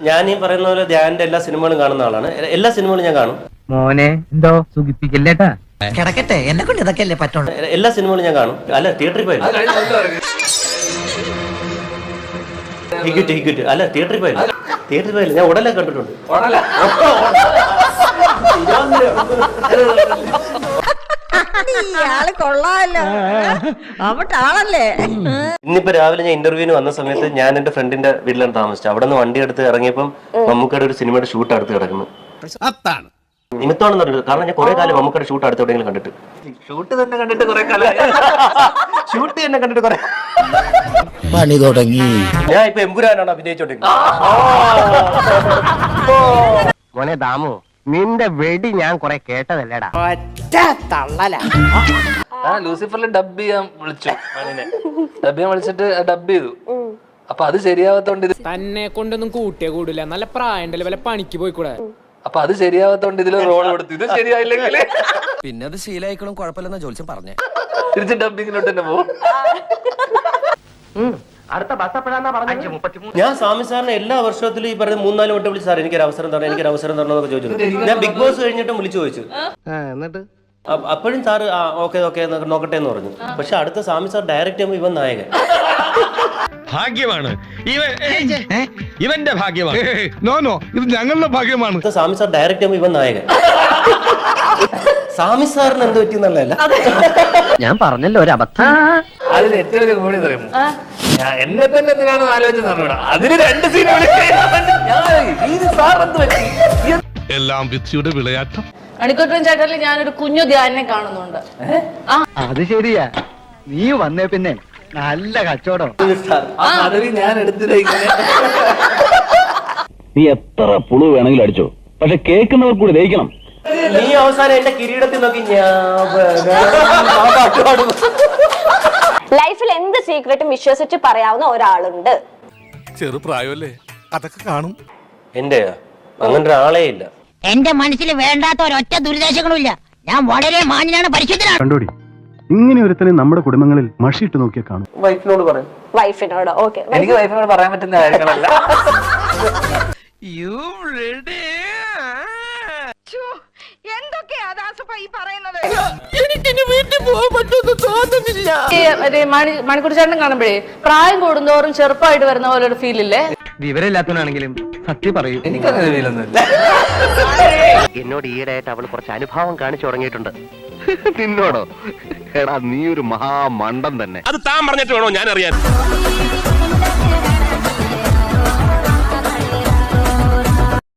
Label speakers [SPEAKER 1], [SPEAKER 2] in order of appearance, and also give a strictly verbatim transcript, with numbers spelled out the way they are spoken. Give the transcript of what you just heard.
[SPEAKER 1] ഞാൻ ഈ പറയുന്ന പോലെ ധ്യാനിന്റെ എല്ലാ സിനിമകളും കാണുന്ന ആളാണ്. എല്ലാ സിനിമകളും ഞാൻ കാണും.
[SPEAKER 2] മോനെ എന്തോ സുഖിപ്പിക്കല്ലേട്ടാ.
[SPEAKER 3] കിടക്കട്ടെ, എന്നെ കൊണ്ട് ഇതൊക്കെ അല്ലേ പറ്റുള്ളൂ.
[SPEAKER 1] എല്ലാ സിനിമകളും ഞാൻ കാണും. അല്ല തിയേറ്ററിൽ പോയില്ല. ഹിക്വിറ്റ് ഹിക്വിറ്റ് അല്ല തിയേറ്ററിൽ പോയില്ല. തിയേറ്ററിൽ പോയില്ല. ഞാൻ ഉടനെ കണ്ടിട്ടുണ്ട്. ഇന്നിപ്പോ രാവിലെ ഞാൻ ഇന്റർവ്യൂവിന് വന്ന സമയത്ത് ഞാൻ എന്റെ ഫ്രണ്ടിന്റെ വീട്ടിലാണ് താമസിച്ചത്. അവിടെ നിന്ന് വണ്ടി എടുത്ത് ഇറങ്ങിയപ്പം മമ്മൂക്കയുടെ ഒരു സിനിമയുടെ ഷൂട്ട് അടുത്ത് കിടക്കുന്നു. നിമിത്തമാണെന്ന് പറഞ്ഞത്. കാരണം ഞാൻ കുറെ കാലം മമ്മൂക്കയുടെ ഷൂട്ട് അടുത്ത് എവിടെയെങ്കിലും കണ്ടിട്ട് ഷൂട്ട് തന്നെ കണ്ടിട്ട് കുറെ കാലം ഷൂട്ട് തന്നെ കണ്ടിട്ട് കുറെ
[SPEAKER 3] പണി തുടങ്ങി.
[SPEAKER 1] ഞാൻ ഇപ്പൊ എമ്പുരാനാണ് അഭിനയിച്ചോണ്ടിരിക്കുന്നത്.
[SPEAKER 2] മോനെ ദാമു, നിന്റെ വെടി ഞാൻ കുറെ കേട്ടതല്ലേടാ.
[SPEAKER 4] ലൂസിഫറിൽ ഡബ് ചെയ്യാൻ വിളിച്ചു. ഡബ് ചെയ്യാൻ വിളിച്ചിട്ട് ഡബ് ചെയ്തു. അപ്പൊ അത് ശരിയാവാത്തോണ്ട്
[SPEAKER 5] തന്നെ കൊണ്ടൊന്നും കൂട്ടിയേ കൂടില്ല. നല്ല പ്രായണ്ടല്ലേ, വല്ല പണിക്ക് പോയിക്കൂടെ.
[SPEAKER 4] അപ്പൊ അത് ശരിയാവാത്തോണ്ട് ഇതില് റോൾ കൊടുത്തു. ഇത് ശരിയായില്ലെങ്കിൽ
[SPEAKER 3] പിന്നെ അത് ശീലായിക്കളും കുഴപ്പമില്ലെന്ന ജോത്സ്യം പറഞ്ഞേ.
[SPEAKER 4] തിരിച്ച് ഡബിങ്ങിലോട്ട് തന്നെ പോകും.
[SPEAKER 2] അടുത്ത ബസ് എപ്പോഴാന്നാ പറഞ്ഞത്?
[SPEAKER 1] ഞാൻ സ്വാമി സാറിന് എല്ലാ വർഷത്തിലും ഈ പറഞ്ഞ മൂന്നാല് വട്ടം വിളിച്ചു, സാർ എനിക്കൊരു അവസരം തരണം എനിക്കൊരു അവസരം തരണം എന്നൊക്കെ ചോദിച്ചു. ഞാൻ ബിഗ് ബോസ് കഴിഞ്ഞിട്ടും വിളിച്ചു ചോദിച്ചു.
[SPEAKER 2] എന്നിട്ട്
[SPEAKER 1] അപ്പോഴും സാറ് ആ ഓക്കെ ഓക്കെ നോക്കട്ടെ എന്ന് പറഞ്ഞു. പക്ഷെ അടുത്ത സ്വാമി സാർ ഡയറക്റ്റ് ചെയ്യുമ്പോൾ ഇവൻ നായകൻ.
[SPEAKER 6] ഭാഗ്യമാണ് ഇവൻ, ഇവന്റെ ഭാഗ്യമാണ്.
[SPEAKER 7] നോ നോ ഇത് ഞങ്ങളുടെ ഭാഗ്യമാണ്.
[SPEAKER 1] അടുത്ത സ്വാമി സാർ ഡയറക്റ്റ് ചെയ്യുമ്പോൾ ഇവൻ നായകൻ. സ്വാമി സാറിന് എന്ത് പറ്റിയെന്നുള്ളതല്ല,
[SPEAKER 2] ഞാൻ പറഞ്ഞല്ലോ ഒരു അബദ്ധം.
[SPEAKER 4] അതിന് ഏറ്റവും വലിയ കൂടി പറയുന്നു, എന്നെ തന്നെ എന്തിനാണ് ആലോചിച്ചത്. അതിന് രണ്ട് സീൻ സാർ എന്ത് പറ്റി.
[SPEAKER 7] എല്ലാം വിധിയുടെ വിളയാട്ടം.
[SPEAKER 8] മണിക്കൂട്ടൻ ചേട്ടനിൽ ഞാനൊരു കുഞ്ഞു ധ്യാനെ കാണുന്നുണ്ട്.
[SPEAKER 2] അത് ശരിയാ, നീ വന്നേ പിന്നെ നല്ല കച്ചവടം.
[SPEAKER 4] ഞാൻ എടുത്തിട്ട്
[SPEAKER 9] നീ എത്ര പുളു വേണമെങ്കിലും അടിച്ചോ, പക്ഷെ കേൾക്കുന്നവർ കൂടി ദഹിക്കണം.
[SPEAKER 1] നീ അവസാനം എന്റെ കിരീടത്തിൽ നോക്കി
[SPEAKER 10] ലൈഫിൽ എന്ത് സീക്രട്ടും വിശ്വസിച്ച് പറയാവുന്ന ഒരാളുണ്ട്.
[SPEAKER 7] ചെറുപ്രായമല്ലേ, അതൊക്കെ കാണും.
[SPEAKER 1] എന്റെ അങ്ങനെ ഒരാളേ ഇല്ല.
[SPEAKER 11] എന്റെ മനസ്സിൽ വേണ്ടാത്ത ഒരൊറ്റ ദുരിതാശങ്ങളും ഇല്ല. ഞാൻ വളരെ മാന്യനാണ്, പരിശുദ്ധനാണ്.
[SPEAKER 12] കണ്ടോടി, ഇങ്ങനെ ഒരുത്തനെ നമ്മുടെ കുടുംബങ്ങളിൽ മഷിയിട്ട് നോക്കിയാൽ കാണും.
[SPEAKER 1] വൈഫിനോട് പറയും.
[SPEAKER 10] വൈഫിനോട് ഓക്കെ.
[SPEAKER 4] എനിക്ക് വൈഫിനോട് പറയാൻ പറ്റുന്ന കാര്യങ്ങളല്ല.
[SPEAKER 8] മണിക്കൂർ ചേട്ടൻ കാണുമ്പോഴേ പ്രായം കൂടുന്തോറും ചെറുപ്പമായിട്ട് വരുന്ന പോലെ ഒരു ഫീൽ ഇല്ലേ?
[SPEAKER 2] വിവരമില്ലാത്തവനാണെങ്കിലും സത്യം പറയൂ.
[SPEAKER 4] എനിക്കങ്ങനെ ഫീലൊന്നുമില്ല.
[SPEAKER 2] എന്നോട് ഈയിടെയായിട്ട് അവള് കുറച്ച് അനുഭാവം കാണിച്ചു തുടങ്ങിയിട്ടുണ്ട്.
[SPEAKER 9] നിന്നോടോ? എടാ നീ ഒരു മഹാമണ്ടൻ തന്നെ.
[SPEAKER 6] അത് താൻ പറഞ്ഞിട്ട് വേണോ ഞാൻ അറിയാൻ.